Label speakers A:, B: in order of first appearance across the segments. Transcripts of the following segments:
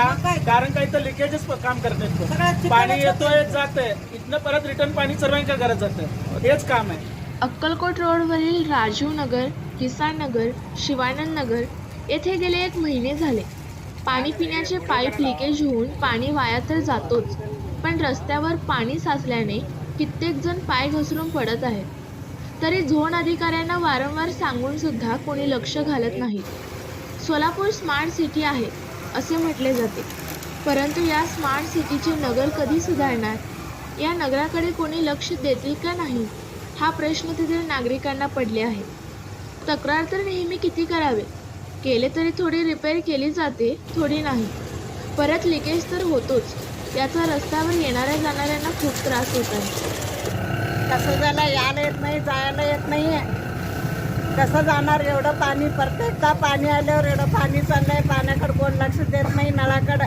A: कारण काही तर लिकेजच काम करत पाणी येतोय जातंय इथनं परत रिटर्न पाणी सर्वांच्या घरात जातं हेच काम आहे.
B: अक्कलकोट रोडवरील राजीव नगर, किसान नगर, शिवानंद नगर येथे गेले 1 महिने झाले. पाणी पिण्याचे पाईप लिकेज होऊन पाणी वाया तर जातोच, पण रस्त्यावर पाणी साचल्याने कित्येक जण पाय घसरून पडत आहेत. तरी झोन अधिकाऱ्यांना वारंवार सांगून सुद्धा कोणी लक्ष घालत नाही. सोलापूर स्मार्ट सिटी आहे असे म्हटले जाते, परंतु या स्मार्ट सिटीचे नगर कधी सुधारणार? या नगराकडे कोणी लक्ष देतील का नाही हा प्रश्न तेथील नागरिकांना पडले आहे. तक्रार तर नेहमी किती करावे, केले तरी थोडी रिपेअर केली जाते, थोडी नाही. परत लिकेज तर होतोच. याचा रस्त्यावर येणाऱ्या जाणाऱ्यांना खूप त्रास होत आहे.
C: कसं झालं, यायला येत नाही, जायला येत नाही. कसं जाणार एवढं पाणी? प्रत्येकदा पाणी आल्यावर एवढं पाणी चाललंय, पाण्याकडे कोण लक्ष देत नाही. नळाकडे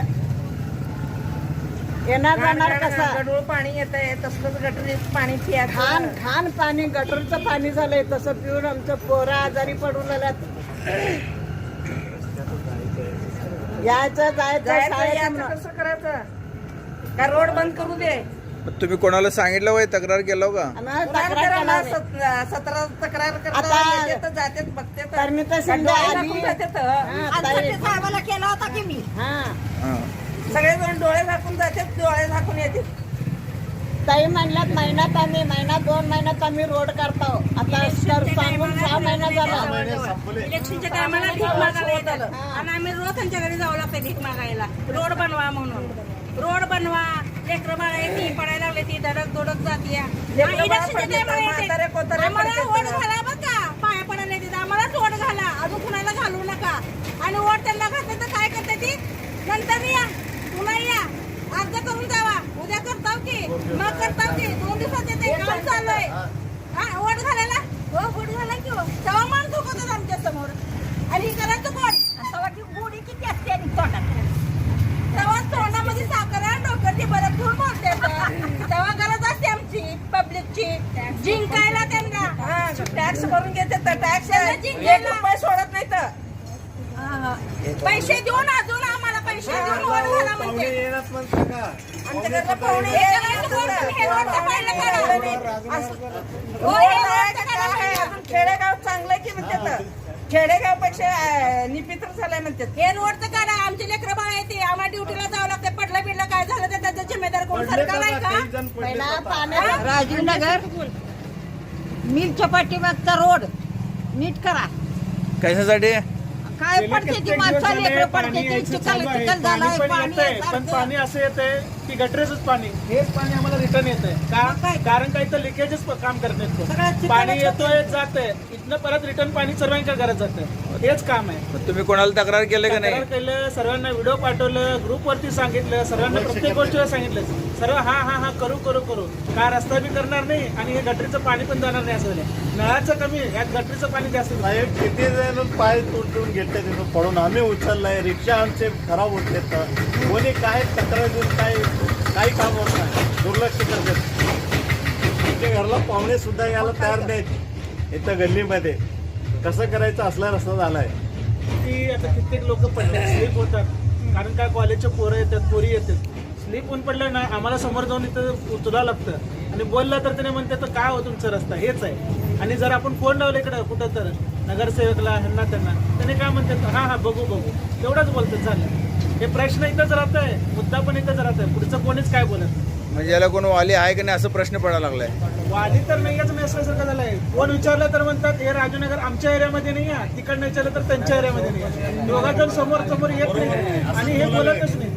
C: येणार जाणार कसं?
D: गढूळ पाणी येत आहे, तसलंच गटरीत पाणी
C: घाण घाण पाणी, गटरचं पाणी झालंय. तसं पिऊन आमचं पोरं आजारी पडून आल्यात. यायचं जायचं शाळेत.
D: कसं करायचं? का रोड बंद करू दे?
E: तुम्ही कोणाला सांगितलं वय, तक्रार केलं का?
C: तक्रार करणार.
D: 17 तक्रार
C: आता
D: करतात, जातात बघतात.
C: तर मी तर शिंदे आली.
D: साहेबाला केला होता की मी.
C: हा
D: सगळेजण डोळे झाकून जातात, डोळे झाकून येतात.
C: ताई म्हणल्यात महिन्यात 2 महिन्यात आम्ही रोड करतो. आता सांगून 6 महिना झाला.
F: इलेक्शनच्या टायमाला भीक मागायला येतात आणि आम्ही रोज त्यांच्या घरी जावं लागतं भीक मागायला. रोड बनवा म्हणून रोड बनवा. लेकरं बाळा येते पडायला लागले, ती धडक धोडक जाते. इलेक्शनच्या टायमाला येते आम्हाला वोट घाला बघा, पाया पडायला येते आम्हालाच वोट घाला, अजून कुणाला घालू नका. आणि वोट त्यांना घातलं तर काय करते ती? नंतर या, पुन्हा या, अर्ज करून जावा, उद्या करताव की मग करताव की 2 दिवसात येते काम चालू आहे. हा वोट घालायला हो, वोट घाला की हो. तेव्हा मान दुखतात आमच्या समोर. आणि करायचं कोण? तेव्हा ती गोडी किती असते आणि तोंडात, तेव्हा तोंडामध्ये साखर आणि डोक्याची बरं घेऊन बोलते. तेव्हा गरज असते आमची पब्लिकची जिंकायला त्यांना.
D: टॅक्स भरून घेतात, टॅक्स 1 रुपये सोडत नाही तर
F: पैसे देऊन अजून आम्हाला पैसे देऊन वोट घाला म्हणते.
D: आमच्याकडे पाहुणे खेडेगाव चांगलं की म्हणतात. खेडेगाव पेक्षा निपित्र झालंय म्हणतात.
F: हे रोडचं काढा, आमचे लेकरं बाळा येते, आम्हाला ड्युटीला जावं लागतं. पडलं बिडलं काय झालं तर त्याचा जिम्मेदार कोण? सरकार आहे का?
C: पहिला पाण्यात
D: राजीव नगर मिलच्या पाठीमागचा रोड नीट करा.
E: कशासाठी?
D: काय पडते ती माणसाला लेकरं पडते ते चिखल झालाय.
A: पण पाणी असं येतंय की गटरेचंच पाणी, हेच पाणी आम्हाला रिटर्न येतंय का? कारण काही तर लिकेजच काम करत पाणी येतोय जातंय इथनं परत रिटर्न पाणी सर्वांच्या घरात जातं हेच काम आहे.
E: तुम्ही कोणाला तक्रार केलं का नाही?
A: केलं, सर्वांना व्हिडिओ पाठवलं, ग्रुपवरती सांगितलं, सर्वांना प्रत्येक गोष्टीला सांगितलं. सर्व हा करू करू करू का रस्ता बी करणार नाही आणि हे गटरीचं पाणी पण जाणार नाही असं झालं. नळाचं कमी, यात गटरीचं पाणी जास्त.
G: साहेब किती जण पाय तुटून घेतले तिथून पडून, आम्ही उचललाय. रिक्षा आमचे खराब होते, कोणी काय तक्रार देऊन काही काम होत नाही, दुर्लक्ष करतात. आमच्या घरला पाहुणे सुद्धा यायला तयार नाहीत. इथं गल्लीमध्ये कसं करायचं असला रस्ता झालाय
A: की आता कित्येक लोक पडले, स्लीप होतात. कारण काय कॉलेजचे पोरं येतात, पोरी येतात. स्लीप होऊन पडलं ना, आम्हाला समोर जाऊन इथं उचलावं लागतं. आणि बोललं तर त्याने म्हणतात तर काय हो तुमचा रस्ता हेच आहे. आणि जर आपण फोन लावला इकडं कुठं तर नगरसेवकला ह्यांना त्यांना, त्याने काय म्हणतात हा बघू तेवढंच बोलतात. झालं. हे प्रश्न इथंच राहत आहे, मुद्दा पण इथंच राहत आहे. पुढचं कोणीच काय बोलत.
E: म्हणजे याला कोण वाली आहे का नाही असं प्रश्न पडायला लागलाय.
A: वाली तर नाहीच मी असल्यासारखं झालंय. कोण विचारलं तर म्हणतात हे राजूनगर आमच्या एरियामध्ये नाही आहे, तिकडनं विचारलं तर त्यांच्या एरियामध्ये नाही आहे. दोघा जण समोर येत नाही आणि हे बोलतच नाही.